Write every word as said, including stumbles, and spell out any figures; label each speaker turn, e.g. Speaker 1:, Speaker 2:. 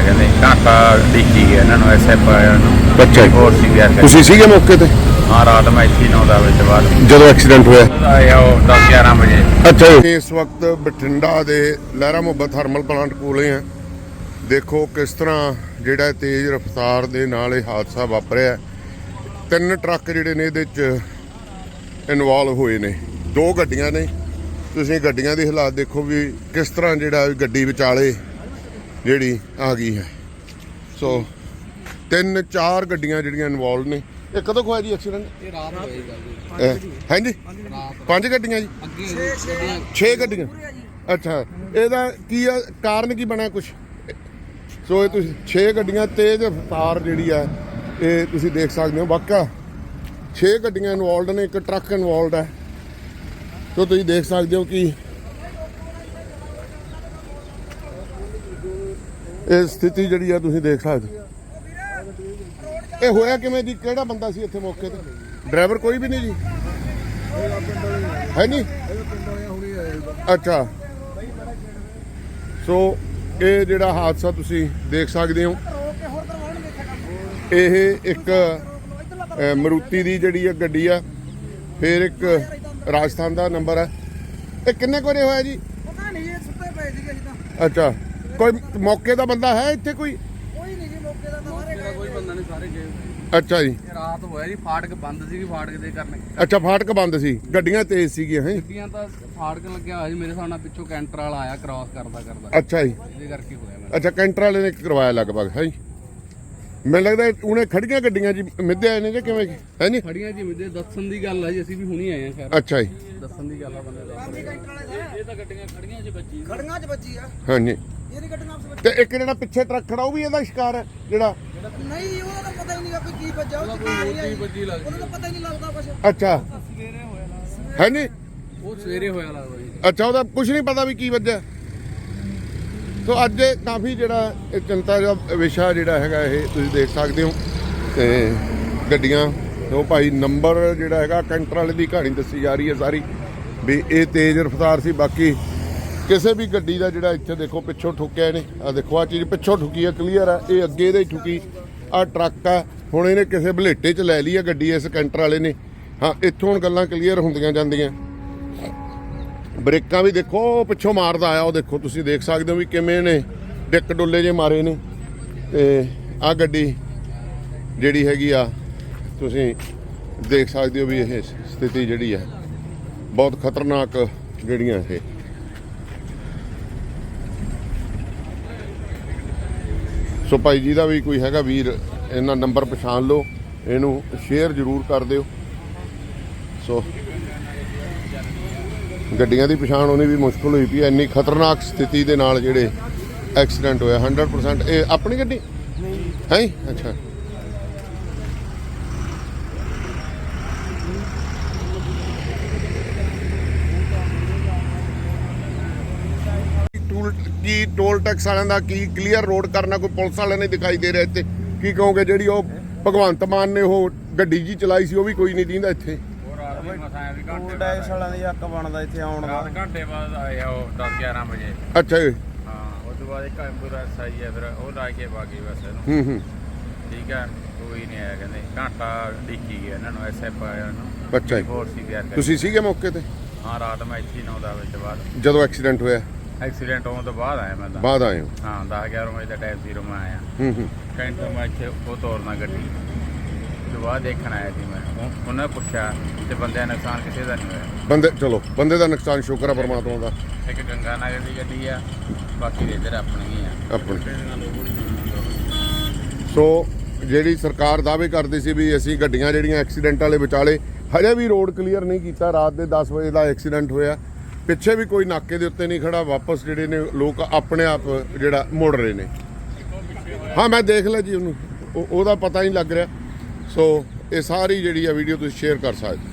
Speaker 1: ਆਇਆ, ਕਹਿੰਦੇ ਘੰਟਾ ਡਿੱਕੀ ਗਿਆ ਇਹਨਾਂ ਨੂੰ ਐਸਐਫ ਆਇਆ ਨੂੰ।
Speaker 2: ਅੱਛਾ ਜੀ।
Speaker 1: ਹੋਰ ਸੀ ਗਿਆ
Speaker 2: ਤੁਸੀਂ ਸੀਗੇ ਮੌਕੇ ਤੇ
Speaker 1: ਹਾਂ, ਰਾਤ ਮੈਂ ਇੱਥੇ ਨੌ ਦਸ ਵਜੇ ਤੋਂ ਬਾਅਦ
Speaker 2: ਜਦੋਂ ਐਕਸੀਡੈਂਟ ਹੋਇਆ?
Speaker 1: ਆਇਆ ਉਹ ਦਸ ਗਿਆਰਾਂ ਵਜੇ।
Speaker 2: ਅੱਛਾ ਜੀ। ਇਸ ਵਕਤ ਬਠਿੰਡਾ ਦੇ ਲਹਿਰਾ ਮੁਹੱਬਤ ਥਰਮਲ ਪਲਾਂਟ ਕੋਲੇ ਆ। ਦੇਖੋ ਕਿਸ ਤਰ੍ਹਾਂ ਜਿਹੜਾ ਤੇਜ਼ ਰਫ਼ਤਾਰ ਦੇ ਨਾਲ ਇਹ ਹਾਦਸਾ ਵਾਪਰਿਆ। ਤਿੰਨ ਟਰੱਕ ਜਿਹੜੇ ਨੇ ਇਹਦੇ 'ਚ ਇਨਵੋਲਵ ਹੋਏ ਨੇ, ਦੋ ਗੱਡੀਆਂ ਨੇ। ਤੁਸੀਂ ਗੱਡੀਆਂ ਦੀ ਹਾਲਾਤ ਦੇਖੋ ਵੀ ਕਿਸ ਤਰ੍ਹਾਂ ਜਿਹੜਾ ਗੱਡੀ ਵਿਚਾਲੇ ਜਿਹੜੀ ਆ ਗਈ ਹੈ। ਸੋ ਤਿੰਨ ਚਾਰ ਗੱਡੀਆਂ ਜਿਹੜੀਆਂ ਇਨਵੋਲਵ ਨੇ। ਇਹ ਕਦੋਂ ਹੋਇਆ ਜੀ ਐਕਸੀਡੈਂਟ?
Speaker 3: ਇਹ ਰਾਤ ਹੋਏਗਾ ਜੀ।
Speaker 2: ਹਾਂਜੀ, ਪੰਜ ਗੱਡੀਆਂ ਜੀ,
Speaker 3: ਅੱਗੇ
Speaker 2: ਛੇ ਗੱਡੀਆਂ। ਅੱਛਾ, ਇਹਦਾ ਕੀ ਆ ਕਾਰਨ ਕੀ ਬਣਿਆ ਕੁਛ? ਸੋ ਇਹ ਤੁਸੀਂ ਛੇ ਗੱਡੀਆਂ ਤੇਜ਼ ਰਫ਼ਤਾਰ ਜਿਹੜੀ ਆ ਇਹ ਤੁਸੀਂ ਦੇਖ ਸਕਦੇ ਹੋ। ਵਾਕਿਆ ਛੇ ਗੱਡੀਆਂ ਇਨਵੋਲਡ ਨੇ, ਇੱਕ ਟਰੱਕ ਇਨਵੋਲਡ ਹੈ। ਸੋ ਤੁਸੀਂ ਦੇਖ ਸਕਦੇ ਹੋ ਕਿ ਇਹ ਸਥਿਤੀ ਜਿਹੜੀ ਆ ਤੁਸੀਂ ਦੇਖ ਸਕਦੇ ਹੋ। ਇਹ ਹੋਇਆ ਕਿਵੇਂ ਜੀ? ਕਿਹੜਾ ਬੰਦਾ ਸੀ ਇੱਥੇ ਮੌਕੇ ਤੇ? ਡਰਾਈਵਰ ਕੋਈ ਵੀ ਨਹੀਂ ਜੀ ਹੈ ਨਹੀਂ? ਅੱਛਾ, ਸੋ ਇਹ ਜਿਹੜਾ ਹਾਦਸਾ ਤੁਸੀਂ ਦੇਖ ਸਕਦੇ ਹੋ, ਇਹ ਇੱਕ ਮਰੂਤੀ ਦੀ ਜਿਹੜੀ ਆ ਗੱਡੀ ਆ, ਫਿਰ ਇੱਕ ਰਾਜਸਥਾਨ ਦਾ ਨੰਬਰ ਹੈ। ਇਹ ਕਿੰਨੇ ਕੁ ਵਜੇ ਹੋਇਆ ਜੀ?
Speaker 4: ਪਤਾ ਨਹੀਂ, ਇਹ ਸੁੱਤੇ ਪਏ ਸੀਗੇ ਜੀ ਤਾਂ।
Speaker 2: ਅੱਛਾ, ਕੋਈ ਮੌਕੇ ਦਾ ਬੰਦਾ ਹੈ ਇੱਥੇ? ਕੋਈ
Speaker 4: ਕੋਈ ਨਹੀਂ ਜੀ ਮੌਕੇ ਦਾ ਤਾਂ ਸਾਰੇ
Speaker 3: ਕੋਈ ਬੰਦਾ ਨਹੀਂ, ਸਾਰੇ ਗਏ।
Speaker 2: ਅੱਛਾ ਜੀ।
Speaker 3: ਇਹ ਰਾਤ ਹੋਇਆ ਜੀ, ਫਾਟਕ ਬੰਦ ਸੀਗੀ, ਫਾਟਕ ਦੇ ਕਰਨੇ
Speaker 2: ਅੱਛਾ, ਫਾਟਕ ਬੰਦ ਸੀ, ਗੱਡੀਆਂ ਤੇਜ਼ ਸੀਗੀਆਂ ਹੈ?
Speaker 3: ਗੱਡੀਆਂ ਤਾਂ ਫਾਟਕ ਲੱਗਿਆ ਹੋਇਆ ਸੀ ਮੇਰੇ ਹਿਸਾਬ ਨਾਲ, ਪਿੱਛੋਂ ਕੈਂਟਰ ਵਾਲਾ ਆਇਆ ਕ੍ਰਾਸ ਕਰਦਾ ਕਰਦਾ,
Speaker 2: ਅੱਛਾ ਜੀ।
Speaker 3: ਇਹਦੇ ਕਰਕੇ ਹੋਇਆ ਮੇਰਾ।
Speaker 2: ਅੱਛਾ, ਕੈਂਟਰ ਵਾਲੇ ਨੇ ਕਰਵਾਇਆ ਲਗਭਗ ਹੈ ਜੀ। ਮੈਨੂੰ ਲੱਗਦਾ ਉਹਨੇ ਖੜੀਆਂ ਗੱਡੀਆਂ ਜੀ ਮਿੱਧੇ ਆਏ ਨੇ ਜਾਂ ਕਿਵੇਂ ਹੈ ਨਹੀਂ?
Speaker 3: ਖੜੀਆਂ ਜੀ ਮੁਝੇ ਦੱਸਣ ਦੀ ਗੱਲ ਹੈ ਜੀ, ਅਸੀਂ ਵੀ ਹੁਣੀ ਆਏ ਆ ਖੈਰ।
Speaker 2: ਅੱਛਾ ਜੀ।
Speaker 3: ਦੱਸਣ ਦੀ ਗੱਲ ਆ ਬੰਦੇ ਦਾ। ਇਹ ਤਾਂ ਗੱਡੀਆਂ ਖੜੀਆਂ 'ਚ ਵੱਜੀ,
Speaker 4: ਖੜੀਆਂ 'ਚ ਵੱਜੀ ਆ।
Speaker 2: ਹਾਂਜੀ।
Speaker 4: ਇਹਦੀ ਗੱਡੀਆਂ ਆਪਸ ਵਿੱਚ।
Speaker 2: ਤੇ ਇੱਕ ਜਿਹੜਾ ਪਿੱਛੇ ਟਰੱਕ ਖੜਾ ਉਹ ਵੀ ਇਹਦਾ ਸ਼ਿਕਾਰ ਹੈ ਜਿਹੜਾ?
Speaker 4: ਨਹੀਂ, ਉਹਦਾ ਤਾਂ ਪਤਾ ਹੀ ਨਹੀਂ ਵੀ ਕੀ ਵੱਜਾ, ਉਹ ਕਿੱਥੇ ਆ ਰਹੀ ਹੈ।
Speaker 3: ਵੱਜੀ ਲੱਗਦੀ,
Speaker 4: ਉਹਦਾ ਤਾਂ ਪਤਾ ਹੀ ਨਹੀਂ ਲੱਗਦਾ ਕੁਛ।
Speaker 2: ਅੱਛਾ, ਹੈ ਨਹੀਂ?
Speaker 3: ਉਹ ਸਵੇਰੇ ਹੋਇਆ ਲੱਗਦਾ ਜੀ।
Speaker 2: ਅੱਛਾ, ਉਹਦਾ ਕੁਝ ਨਹੀਂ ਪਤਾ ਵੀ ਕੀ ਵੱਜਿਆ। ਸੋ ਅੱਜ ਇਹ ਕਾਫੀ ਜਿਹੜਾ ਇਹ ਚਿੰਤਾ ਦਾ ਵਿਸ਼ਾ ਜਿਹੜਾ ਹੈਗਾ ਇਹ ਤੁਸੀਂ ਦੇਖ ਸਕਦੇ ਹੋ। ਤੇ ਗੱਡੀਆਂ ਉਹ ਭਾਈ ਨੰਬਰ ਜਿਹੜਾ ਹੈਗਾ ਕੈਂਟਰ ਵਾਲੇ ਦੀ ਕਹਾਣੀ ਦੱਸੀ ਜਾ ਰਹੀ ਹੈ ਸਾਰੀ ਵੀ ਇਹ ਤੇਜ਼ ਰਫ਼ਤਾਰ ਸੀ। ਬਾਕੀ ਕਿਸੇ ਵੀ ਗੱਡੀ ਦਾ ਜਿਹੜਾ ਇੱਥੇ ਦੇਖੋ ਪਿੱਛੋਂ ਠੁੱਕਿਆ ਇਹਨੇ, ਆ ਦੇਖੋ ਆ ਚੀਜ਼ ਪਿੱਛੋਂ ਠੁੱਕੀ ਹੈ, ਕਲੀਅਰ ਆ। ਇਹ ਅੱਗੇ ਇਹਦੇ ਠੁੱਕੀ, ਆ ਟਰੱਕ ਆ। ਹੁਣ ਇਹਨੇ ਕਿਸੇ ਬਲੇਟੇ 'ਚ ਲੈ ਲਈ ਆ ਗੱਡੀ ਇਸ ਕੈਂਟਰ ਵਾਲੇ ਨੇ। ਹਾਂ, ਇੱਥੋਂ ਹੁਣ ਗੱਲਾਂ ਕਲੀਅਰ ਹੁੰਦੀਆਂ ਜਾਂਦੀਆਂ। ਬ੍ਰੇਕਾਂ ਵੀ ਦੇਖੋ ਪਿੱਛੋਂ ਮਾਰਦਾ ਆਇਆ, ਉਹ ਦੇਖੋ ਤੁਸੀਂ ਦੇਖ ਸਕਦੇ ਹੋ ਵੀ ਕਿਵੇਂ ਨੇ ਡਿੱਕ ਡੁੱਲੇ ਜੇ ਮਾਰੇ ਨੇ। ਤੇ ਆ ਗੱਡੀ ਜਿਹੜੀ ਹੈਗੀ ਆ ਤੁਸੀਂ ਦੇਖ ਸਕਦੇ ਹੋ ਵੀ ਇਹ ਸਥਿਤੀ ਜਿਹੜੀ ਹੈ ਬਹੁਤ ਖਤਰਨਾਕ ਜਿਹੜੀਆਂ ਇਹ। ਸੋ ਭਾਈ ਜੀ ਦਾ ਵੀ ਕੋਈ ਹੈਗਾ ਵੀਰ, ਇਹਨਾਂ ਨੰਬਰ ਪਛਾਣ ਲਓ, ਇਹਨੂੰ ਸ਼ੇਅਰ ਜ਼ਰੂਰ ਕਰ ਦਿਓ। ਸੋ ਗੱਡੀਆਂ ਦੀ ਪਛਾਣ ਹੋਣੀ ਵੀ ਮੁਸ਼ਕਲ ਹੋਈ ਪਈ ਹੈ, ਇੰਨੀ ਖਤਰਨਾਕ ਸਥਿਤੀ ਦੇ ਨਾਲ ਜਿਹੜੇ ਐਕਸੀਡੈਂਟ ਹੋਇਆ। ਹੰਡਰਡ ਪਰਸੈਂਟ ਇਹ ਆਪਣੀ ਗੱਡੀ ਹੈ? ਅੱਛਾ, ਟੂਲ ਕੀ ਟੋਲ ਟੈਕਸ ਵਾਲਿਆਂ ਦਾ ਕੀ ਕਲੀਅਰ ਰੋਡ ਕਰਨਾ, ਕੋਈ ਪੁਲਿਸ ਵਾਲਿਆਂ ਨੇ ਦਿਖਾਈ ਦੇ ਰਿਹਾ ਇੱਥੇ? ਕੀ ਕਹੋਗੇ? ਜਿਹੜੀ ਉਹ ਭਗਵੰਤ ਮਾਨ ਨੇ ਉਹ ਗੱਡੀ ਜੀ ਚਲਾਈ ਸੀ ਉਹ ਵੀ ਕੋਈ ਨਹੀਂ ਦਿੰਦਾ ਇੱਥੇ।
Speaker 5: ਟੂਲ ਟੈਕਸ ਵਾਲਿਆਂ ਦੀ ਹੱਕ ਬਣਦਾ ਇੱਥੇ ਆਉਣ ਦਾ।
Speaker 1: ਰਾਤ ਘੰਟੇ ਬਾਅਦ ਆਇਆ ਉਹ ਦਸ ਗਿਆਰਾਂ ਵਜੇ।
Speaker 2: ਅੱਛਾ ਜੀ।
Speaker 1: ਹਾਂ, ਉਸ ਤੋਂ ਬਾਅਦ ਇੱਕ ਐਂਬੂਲੈਂਸ ਆਈ ਹੈ, ਫਿਰ ਉਹ ਲਾ ਕੇ ਬਾਗੀ ਬਸ ਇਹਨੂੰ।
Speaker 2: ਹੂੰ ਹੂੰ।
Speaker 1: ਠੀਕ ਹੈ, ਕੋਈ ਨਹੀਂ ਆਇਆ, ਕਹਿੰਦੇ ਘੰਟਾ ਡਿੱਕੀ ਗਿਆ ਇਹਨਾਂ ਨੂੰ ਐਸਐਫ ਆਇਆ ਨੂੰ।
Speaker 2: ਅੱਛਾ ਜੀ।
Speaker 1: ਹੋਰ ਸੀ ਗਿਆ।
Speaker 2: ਤੁਸੀਂ ਸੀਗੇ ਮੌਕੇ ਤੇ
Speaker 1: ਹਾਂ, ਰਾਤ ਮੈਂ ਇੱਥੇ ਨੌ ਦਸ ਵਜੇ ਤੋਂ ਬਾਅਦ
Speaker 2: ਜਦੋਂ ਐਕਸੀਡੈਂਟ ਹੋਇਆ?
Speaker 1: ਐਕਸੀਡੈਂਟ ਹੋਣ ਤੋਂ ਬਾਅਦ ਆਇਆ ਮੈਂ ਤਾਂ।
Speaker 2: ਬਾਅਦ ਆਏ ਹੋ?
Speaker 1: ਹਾਂ, ਦਸ ਗਿਆਰਾਂ ਵਜੇ ਦਾ ਟਾਈਮ ਜ਼ੀਰੋ ਮੈਂ ਆਇਆ।
Speaker 2: ਹੂੰ ਹੂੰ।
Speaker 1: ਕੈਂਟਰ ਮੈਂ ਇੱਥੇ ਉਹ ਤੋਰਨਾ ਗੱਡੀ ਤੋਂ ਬਾਅਦ ਦੇਖਣ ਆਇਆ ਸੀ ਮੈਂ। ਉਹ- ਉਹਨਾਂ ਨੇ ਪੁੱਛਿਆ ਤੇ ਬੰਦਿਆਂ ਦਾ ਨੁਕਸਾਨ ਕਿਸੇ ਦਾ ਨਹੀਂ ਹੋਇਆ।
Speaker 2: ਬੰਦੇ ਚਲੋ ਬੰਦੇ ਦਾ ਨੁਕਸਾਨ ਸ਼ੁਕਰ ਆ ਪਰਮਾਤਮਾ ਦਾ।
Speaker 1: ਇੱਕ ਗੰਗਾ ਨਗਰ ਦੀ ਗੱਡੀ ਆ, ਬਾਕੀ ਦੇ ਇੱਧਰ ਆਪਣੀ ਆ
Speaker 2: ਆਪਣੀ। ਸੋ ਜਿਹੜੀ ਸਰਕਾਰ ਦਾਅਵੇ ਕਰਦੀ ਸੀ ਵੀ ਅਸੀਂ ਗੱਡੀਆਂ ਜਿਹੜੀਆਂ ਐਕਸੀਡੈਂਟ ਵਾਲੇ ਵਿਚਾਲੇ, ਹਜੇ ਵੀ ਰੋਡ ਕਲੀਅਰ ਨਹੀਂ ਕੀਤਾ। ਰਾਤ ਦੇ ਦਸ ਵਜੇ ਦਾ ਐਕਸੀਡੈਂਟ ਹੋਇਆ, ਪਿੱਛੇ ਵੀ ਕੋਈ ਨਾਕੇ ਦੇ ਉੱਤੇ ਨਹੀਂ ਖੜਾ। ਵਾਪਸ ਜਿਹੜੇ ਨੇ ਲੋਕ ਆਪਣੇ ਆਪ ਜਿਹੜਾ ਮੁੜ ਰਹੇ ਨੇ। ਹਾਂ, ਮੈਂ ਦੇਖ ਲਿਆ ਜੀ ਉਹਨੂੰ, ਉਹਦਾ ਪਤਾ ਨਹੀਂ ਲੱਗ ਰਿਹਾ। ਸੋ ਇਹ ਸਾਰੀ ਜਿਹੜੀ ਆ ਵੀਡੀਓ ਤੁਸੀਂ ਸ਼ੇਅਰ ਕਰ ਸਕਦੇ।